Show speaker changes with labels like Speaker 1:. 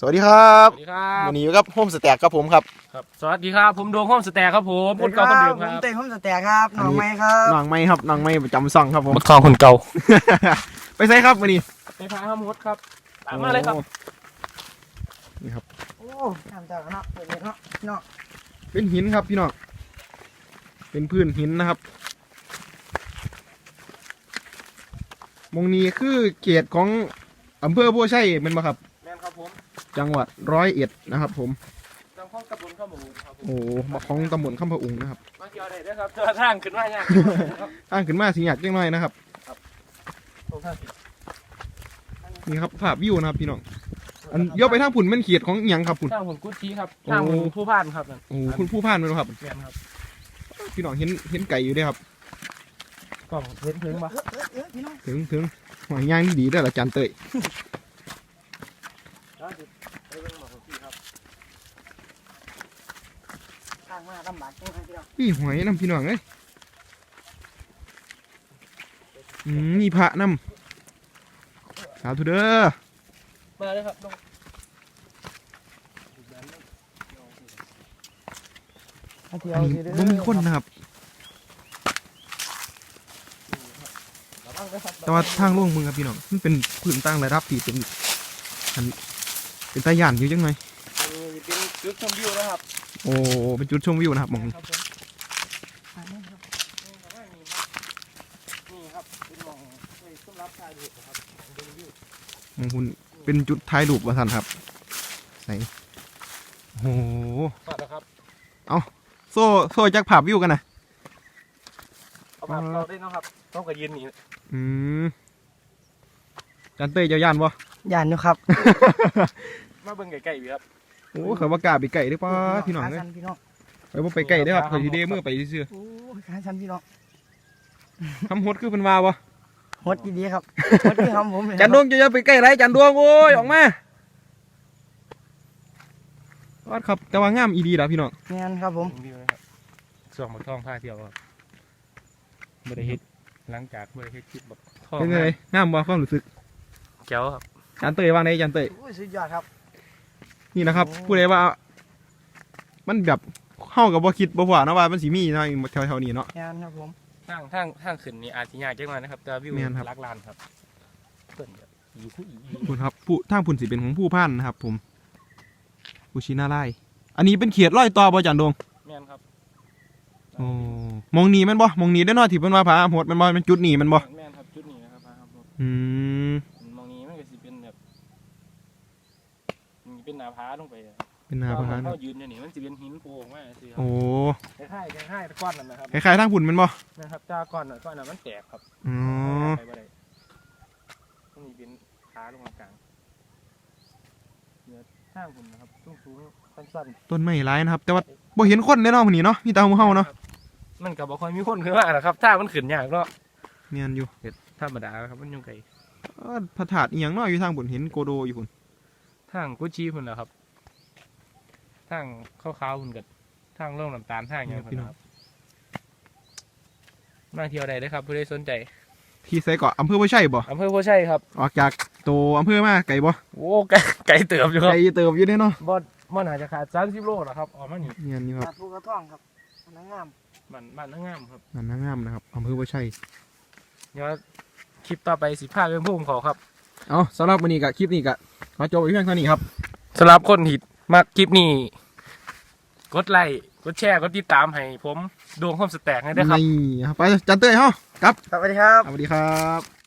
Speaker 1: วัสดีครับ
Speaker 2: สวัสดีครับ
Speaker 1: วันนี้อยู่กับโฮมสแต็กครับผมครับ
Speaker 2: ครับสวัสดีครับผมดวงห้องสแต็กครับผมพูดเก่าคนเดิมค
Speaker 3: ผ
Speaker 2: รั
Speaker 3: ม
Speaker 2: บ
Speaker 3: เต้ผมสแต็กครับหนองไม้ครับ
Speaker 1: น้องไม้ครับน้องไม้ประจำซ่องครับผม
Speaker 2: บักทองคนเก่า
Speaker 1: ไปใส่ครับวันนี้
Speaker 2: ไปพาห้ามดครับตามมาเลยครับ
Speaker 1: นี่ครับ
Speaker 3: โอ้ทำจากเนาะเปิดเลยเนาะเนาะ
Speaker 1: เป็นหินครับพี่น้องเป็นพื้นหินนะครับมงนี้คือเขตของอำเภอบัวไชเป็นมาครับ
Speaker 2: แม่นครับผม
Speaker 1: จังหวัด101นะครับผม
Speaker 2: จังห้องกระปุนข้าวหมูครับผม
Speaker 1: โอ้มาของตำบลข้ามพะอุงนะครับ
Speaker 2: มาเกี่ยวได้ด้วยครับเจอทางขึ้นมาเนี่ยครับ
Speaker 1: อ้างขึ้นมาสิหยาดเล็กน้อยนะครับ
Speaker 2: ตรงทางสิ
Speaker 1: นี่ครับภาพวิวนะครับพี่น้องอันเลี้ยวไปทางผุ่นเป็นเขตของอิหยังครับผุ่น
Speaker 2: ทางหุ่นกุ๊ดชี้ครับทางหุ่นผู้พ่านครับนั่น
Speaker 1: โอ้คุณผู้พ่านเป็นครับ
Speaker 2: แม่นครับ
Speaker 1: พี่น้องเห็นไก่อยู่ด้วยครับ
Speaker 2: กล่องเห็นถึงปะ
Speaker 3: พี่น้อง
Speaker 1: ถึงหอยย่างนี่ดีด้วยละจานเตย
Speaker 2: ไปเบิ่งหมอของพี่ครับ
Speaker 3: ทางมาลำบากจังเลยพี่น้อง
Speaker 1: พี่หอยน้ำพี่น้องเอ้ยมีพระน้ำสาธุเด้อ
Speaker 2: มาเลยครับลง
Speaker 3: มาเที่ย
Speaker 1: อั
Speaker 3: วน
Speaker 1: นี้บ่มีคนนะครับ แต่ว่าทางล่วงมึงครับพี่น้องมันเป็นพื้นตั้งระดับที่เป็นอันเป็นตาย่านอยู่จังไง
Speaker 2: อันนี้เป็นจุดชมวิวนะครับ
Speaker 1: โอ้เป็นจุดชมวิวนะครับหมองนี้
Speaker 2: ครับผม นี่ครับเป็นหมองสำหรับถ่ายรูปครับของดูวิว
Speaker 1: หมองคุณเป็นจุดท้ายรูปว่าท่านครับไหนโอ้โห
Speaker 2: ขอดนะครับ
Speaker 1: โซ่จักภาพวิวกันนะ
Speaker 2: เอาภาพเราได้นะครับต้องกับยืนนี่
Speaker 1: จานเตยเจ้าย่านบ่
Speaker 3: ย่านอยู่ครับ
Speaker 2: มาเบิ่งไก่ๆอยู่ครับ
Speaker 1: โอ้เขาว่ากล้าไปไก่ได้ป่ะพี่น้อง
Speaker 3: ขา
Speaker 1: เอ้ย
Speaker 3: ชันพี่น้อง
Speaker 1: ไปบ่ไปไก่ได้อครับคอยทีเดมือไปซื่อ
Speaker 3: โอ้ยขาชันพี่น้อง
Speaker 1: ๆทำฮดคือเพิ่นว่าบ่
Speaker 3: ฮดดีๆครับฮดที่ทำผมเลย
Speaker 1: จันดวงจะไปใกล้ไรจันดวงโอ้ยออกมาวัดครับแต่ว่างามอีดีล่ะพี่น้อง
Speaker 3: งานครับผม
Speaker 2: วิวนะครับส่องบักทองผ้าเที่ยวครับบริเฮ็ดหลังจากบริเฮ็ดคลิปแบบทอง
Speaker 1: เป็นไงงามบ่ความรู้สึก
Speaker 2: แก้วครับ
Speaker 1: จันเตยวางไหนจันเตย
Speaker 3: โอ้ยสุดยอดครับ
Speaker 1: นี่นะครับผู้ใดว่า มันแบบเข้ากับบ่คิดบ่ว่านะว่ามันสิมีเนาะแถวๆนี้เนาะ
Speaker 3: งานครับผม
Speaker 2: ทางขึ้นนี่อาจจะยากจังเลยนะครับแต่วิว
Speaker 1: แม่นครับ
Speaker 2: ลักลานครับเปิ่นแบบอีคู่อี
Speaker 1: คุณครับผู้ทางพุ่นสิเป็นของผู้พันนะครับ ผมผู้ชินาไลอันนี้เป็นเขตร้อยต่อบ่จันดวง
Speaker 2: แม่นครับ
Speaker 1: โอ้มองนี่แม่นบ่มองนี่ได้อเนาะที่เพิ่นว่าผาโหดแม่นบ่เป็นจุดนี้แม่นบ่
Speaker 2: แม่นครับจุดนี้นะครับครับผม
Speaker 1: อืม
Speaker 2: มองนี้มันก็สิเป็นแบบนี่เป็นหน้าผาลงไปอะ
Speaker 1: เป็นนาพา
Speaker 2: เขายืนอยู่นี่มันจะเป็นหินโป่งมากสิครับ
Speaker 1: โอ้
Speaker 2: คล้ายๆก้อนนั่นนะครับ
Speaker 1: คล้ายๆทางพุ่นแม่นบ่
Speaker 2: นะครับจ้าก้อนน่ะมันแตกครับ
Speaker 1: อ๋อ
Speaker 2: ไปบ่ได้ต้องมีเป็นขาลงมากลางเนี่ยทางผมนะครับสูงๆสั้น
Speaker 1: ต้นไม้หลายนะครับ แต่ว่าบ่เห็นคนแน่นอนคนนี้เนาะมีแต่หมู่เฮาเนาะ
Speaker 2: ๆมันก็บ่ค่อยมีคนขึ้นมาหรอกครับถ้ามันขึ้นยากเนาะ
Speaker 1: เนียนอยู่
Speaker 2: ธรรมดาครับมันอยุ่งไกล
Speaker 1: พระธาตุอีหยังเนาะอยู่ทางบนเห็นโกโดอยู่พุ่น
Speaker 2: ทางกุชีพุ่นแหละครับทางขาวๆพุ่นกับทางร่องน้ำตาลทางอย่างพุ่นนะครับมาเที่ยวได้เลยครับผู้ใดสนใจ
Speaker 1: ที่ไสเกาะอำเภอบ่ใช่บ่
Speaker 2: อำเภอโพชัยครับ
Speaker 1: ออกจากตัวอำเภอมาไกลบ่
Speaker 2: โอ้ไก่เติบอยู่ครับ
Speaker 1: ไกลเติบอยู่เด้เนาะ
Speaker 2: บ่น่าจะขาด30 โลหรอกครับออกมานี่
Speaker 1: เนียนอยู่ค
Speaker 3: ขา
Speaker 1: รับ
Speaker 3: ดภูกระท่องครับอันนั้นงาม
Speaker 2: บ้านนางงามครับ
Speaker 1: นั่นนะงามนะครับอำเภอบ่ใช่
Speaker 2: เดี๋ยวคลิปต่อไปสิพาเรื่องพุ่มเขาครับ
Speaker 1: เอาสำหรับวันนี้ก็คลิปนี้ก็ขอจบไว้เพียงเท่านี้ครับ
Speaker 2: สำหรับคนที่มักคลิปนี้กดไลค์กดแชร์กดติดตามให้ผมดวงโฮมสแต็กให้ด้วยครับ
Speaker 1: นี่ครับไปจันเต้ยเฮาครับ
Speaker 3: สวัสดีครับ
Speaker 1: สวัสดีครับ